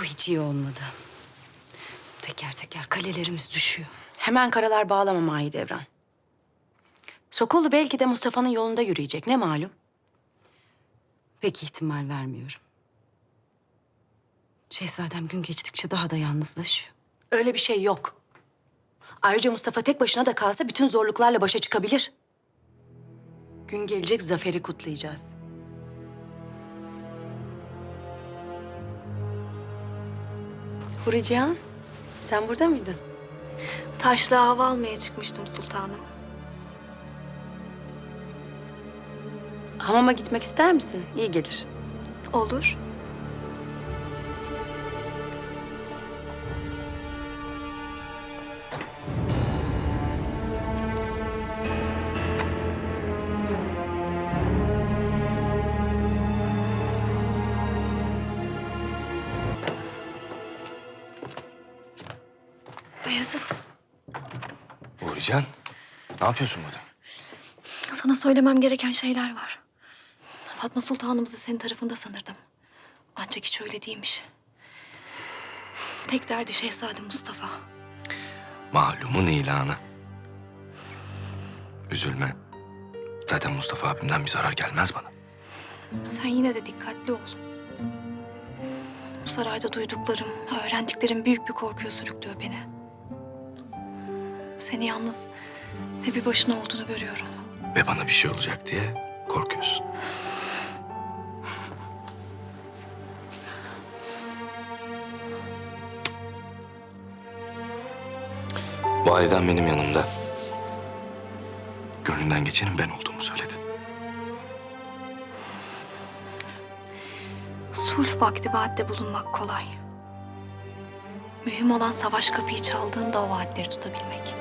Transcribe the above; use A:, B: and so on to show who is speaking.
A: hiç iyi olmadı. Teker teker kalelerimiz düşüyor.
B: Hemen karalar bağlama Mahidevran. Sokollu belki de Mustafa'nın yolunda yürüyecek. Ne malum?
A: Pek ihtimal vermiyorum. Şehzadem gün geçtikçe daha da yalnızlaşıyor.
B: Öyle bir şey yok. Ayrıca Mustafa tek başına da kalsa bütün zorluklarla başa çıkabilir. Gün gelecek, zaferi kutlayacağız. Hurican, sen burada mıydın?
C: Taşlığa hava almaya çıkmıştım sultanım.
B: Hamama gitmek ister misin? İyi gelir.
C: Olur. Bayezid,
D: Uğurcan, ne yapıyorsun burada?
C: sana söylemem gereken şeyler var. Fatma Sultanımızı senin tarafında sanırdım. Ancak hiç öyle değilmiş. Tek derdi Şehzade Mustafa.
D: Malumun ilanı. Üzülme. Zaten Mustafa abimden bir zarar gelmez bana.
C: Sen yine de dikkatli ol. Bu sarayda duyduklarım, öğrendiklerim büyük bir korkuya sürüklüyor beni. Seni yalnız ve bir başına olduğunu görüyorum.
D: Ve bana bir şey olacak diye korkuyorsun. Validen benim yanımda. Gönlünden geçenin ben olduğumu söyledi.
C: Sulh vakti vaatte bulunmak kolay. Mühim olan savaş kapıyı çaldığında o vaatleri tutabilmek.